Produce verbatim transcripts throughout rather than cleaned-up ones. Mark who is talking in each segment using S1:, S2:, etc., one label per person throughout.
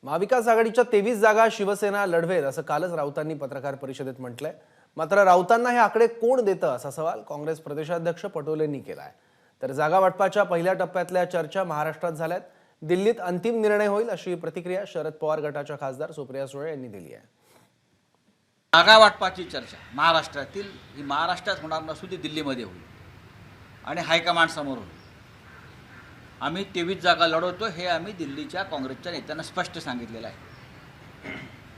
S1: महाविकास आघाडीच्या तेवीस जागा शिवसेना लढवेल असं कालच राऊतांनी पत्रकार परिषदेत म्हटलंय। मात्र राऊतांना हे आकडे कोण देतं असा सवाल काँग्रेस प्रदेशाध्यक्ष पटोलेंनी केलाय। तर जागा वाटपाच्या पहिल्या टप्प्यातल्या चर्चा महाराष्ट्रात झाल्यात। दिल्लीत अंतिम निर्णय होईल अशी प्रतिक्रिया शरद पवार गटाच्या खासदार सुप्रिया सुळे यांनी दिली आहे।
S2: जागा वाटपाची चर्चा महाराष्ट्रातील ही महाराष्ट्रात होणार नसून ती दिल्लीमध्ये होईल आणि हायकमांड समोर होईल। आम्ही तेवीस जागा लढवतो हे आम्ही दिल्लीच्या काँग्रेसच्या नेत्यांना स्पष्ट सांगितलेलं आहे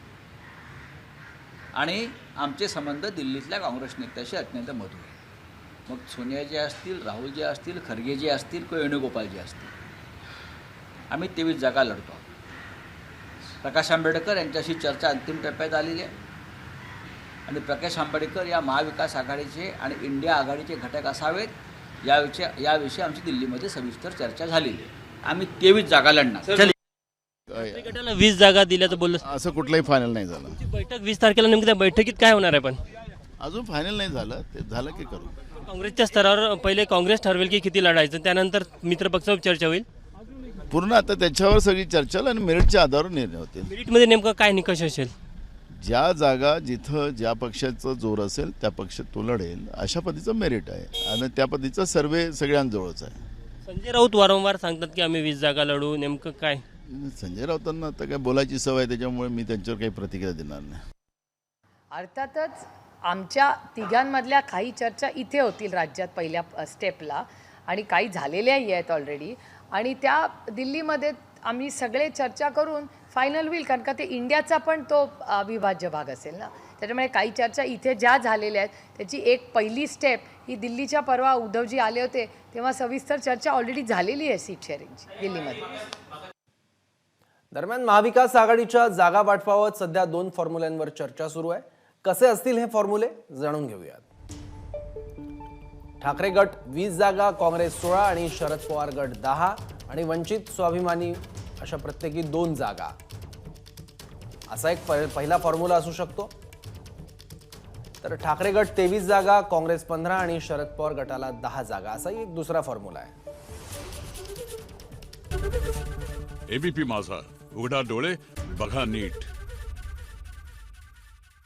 S2: आणि आमचे संबंध दिल्लीतल्या काँग्रेस नेत्याशी अत्यंत मधुर आहे। मग सोनियाजी असतील, राहुलजी असतील, खरगेजी असतील किंवा वेणुगोपालजी असतील, आम्ही तेवीस जागा लढतो। प्रकाश आंबेडकर यांच्याशी चर्चा अंतिम टप्प्यात आलेली आहे आणि प्रकाश आंबेडकर या महाविकास आघाडीचे आणि इंडिया आघाडीचे घटक असावेत याविषयी याविषयी आमची दिल्लीमध्ये सविस्तर चर्चा झालेली आहे। आम्ही तेवीस जागा लढणार।
S3: गटाला वीस जागा दिल्याचं बोललं,
S4: असं कुठलंही फायनल नाही झालं।
S3: बैठक वीस तारखेला नेमकं त्या बैठकीत काय होणार आहे? पण
S4: अजून फायनल नाही झालं, ते झालं की करू।
S3: काँग्रेसच्या स्तरावर पहिले काँग्रेस ठरवेल की किती लढायचं, त्यानंतर मित्रपक्षावर चर्चा होईल।
S4: पूर्ण आता त्याच्यावर सगळी चर्चा आणि मेरिटच्या आधारावर निर्णय होतील।
S3: मेरिटमध्ये नेमकं काय निकष असेल?
S4: ज्या जागा जिथं ज्या पक्षाचं जोर असेल त्या पक्षात तो लढेल अशा पद्धतीचं मेरिट आहे आणि त्या पद्धतीचा सर्वे सगळ्यांजवळच आहे।
S3: संजय राऊत वारंवार सांगतात की आम्ही वीस जागा लढू, नेमकं काय?
S4: संजय राऊतांना आता काय बोलायची सवय आहे, त्याच्यामुळे मी त्यांच्यावर काही प्रतिक्रिया देणार नाही।
S5: अर्थातच आमच्या तिघांमधल्या काही चर्चा इथे होतील राज्यात पहिल्या स्टेपला आणि काही झालेल्याही आहेत ऑलरेडी आणि त्या दिल्लीमध्ये आम्ही सगळे चर्चा करून फायनल होईल, कारण का ते इंडियाचा पण तो अविभाज्य भाग असेल ना। त्याच्यामुळे काही चर्चा इथे ज्या झालेल्या आहेत त्याची एक पहिली स्टेप ही दिल्लीच्या परवा उद्धवजी आले होते तेव्हा सविस्तर चर्चा ऑलरेडी झालेली आहे सीट शेअरिंगची दिल्लीमध्ये।
S1: दरम्यान महाविकास आघाडीच्या जागा वाटपाबाबत सध्या दोन फॉर्म्युल्यांवर चर्चा सुरू आहे। कसे असतील हे फॉर्म्युले जाणून घेऊयात। ठाकरे गट वीस जागा, काँग्रेस सोळा आणि शरद पवार गट दहा आणि वंचित स्वाभिमानी अशा प्रत्येकी दोन जागा, असा एक पहिला फॉर्म्युला असू शकतो। तर ठाकरे गट तेवीस जागा, काँग्रेस पंधरा आणि शरद पवार गटाला दहा जागा, असाही एक दुसरा फॉर्म्युला आहे।
S6: एबीपी माझा, उघडा डोळे बघा नीट।